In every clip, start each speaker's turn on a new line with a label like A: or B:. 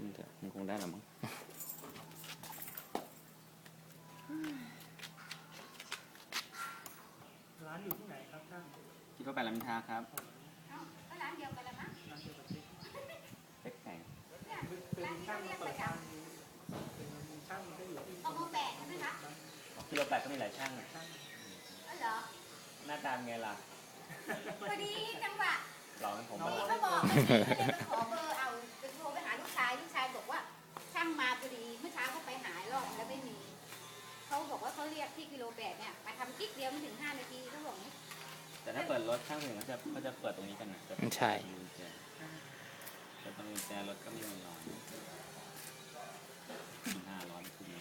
A: มันเถอะมันคงได้หรอมั้ง
B: ร้านอยู่ที่ไหนครับท่าน
A: คิดว่าไปรามอินทราครับ
C: ก็ร้านเดียวกันละมั้ง
B: ร้านเดียวกับเจ๊
A: เล็กไก่
B: เป็นช่างมาเปิดร้านนี้เป็นช่างที่อยู่ที่
C: เอามาแปะใช่ไหมคะ
A: กิโลแปดก็มีหลายช่างอะ
B: ช่าง
C: อ๋อเหรอ
A: หน้าตาเป็นไงล่ะ
C: พอดีจังหวะ
A: หล่อเป็นผม
C: พี่
A: มา
C: เขาบอกก็เลยขอเบอร์เอาจะโทรไปหาลูกชายบอกว่าช่างมาพอดีเมื่อเช้าเขาไปหารอบแล้วไม่มีเขาบอกว่าเขาเรียกที่กิโลแปดเนี่ยมาทำกิ๊กเดียวไม่ถึง5 นาทีเขาบอกนี้
A: แต่ถ้าเปิดรถช่างถึงเขาจะเปิดตรงนี้กันนะ
D: ใช่
A: แต่ตรงกุญแจรถก็ไม่มีรอย500ขึ้นมา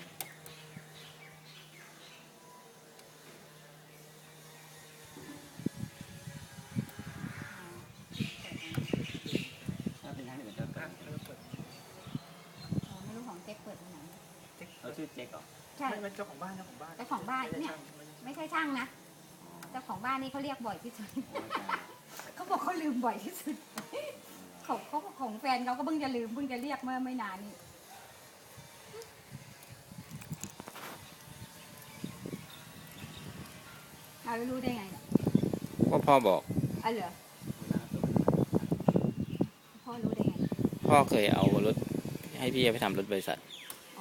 A: ถ้าเป็นช่างอื่นจะเปิด
B: เปิด
C: ไม่รู้ของเจ๊เปิดตรงไหน
A: เราชื่อเจ๊กเหรอ
C: ใช่
B: ไม่เป็นเจ้าของบ้านเจ้าของบ้าน
C: เจ้าของบ้านเนี่ยไม่ใช่ช่างนะเจ้าของบ้านนี่เขาเรียกบ่อยที่สุดเขาบอกเขาลืมบ่อยที่สุดเขาของแฟนเขาก็เพิ่งจะลืมเพิ่งจะเรียกเมื่อไม่นานนี้เรารู้ได้ไงเนี่ย
D: ก็พ่อบอก
C: อ๋อเหรอพ่อรู้ได้ไง
D: พ่อเคยเอารถให้พี่ไปทำรถบริษัท
C: อ๋อ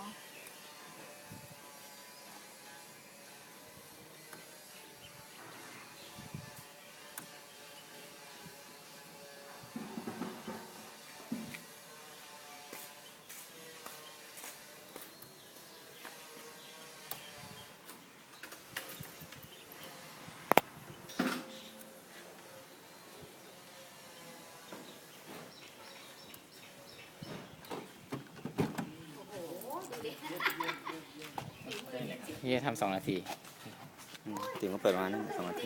C: ดูดิ
D: พี่จะทำ2 นาที
A: ถึงก็เปิดมานั่น2 นาที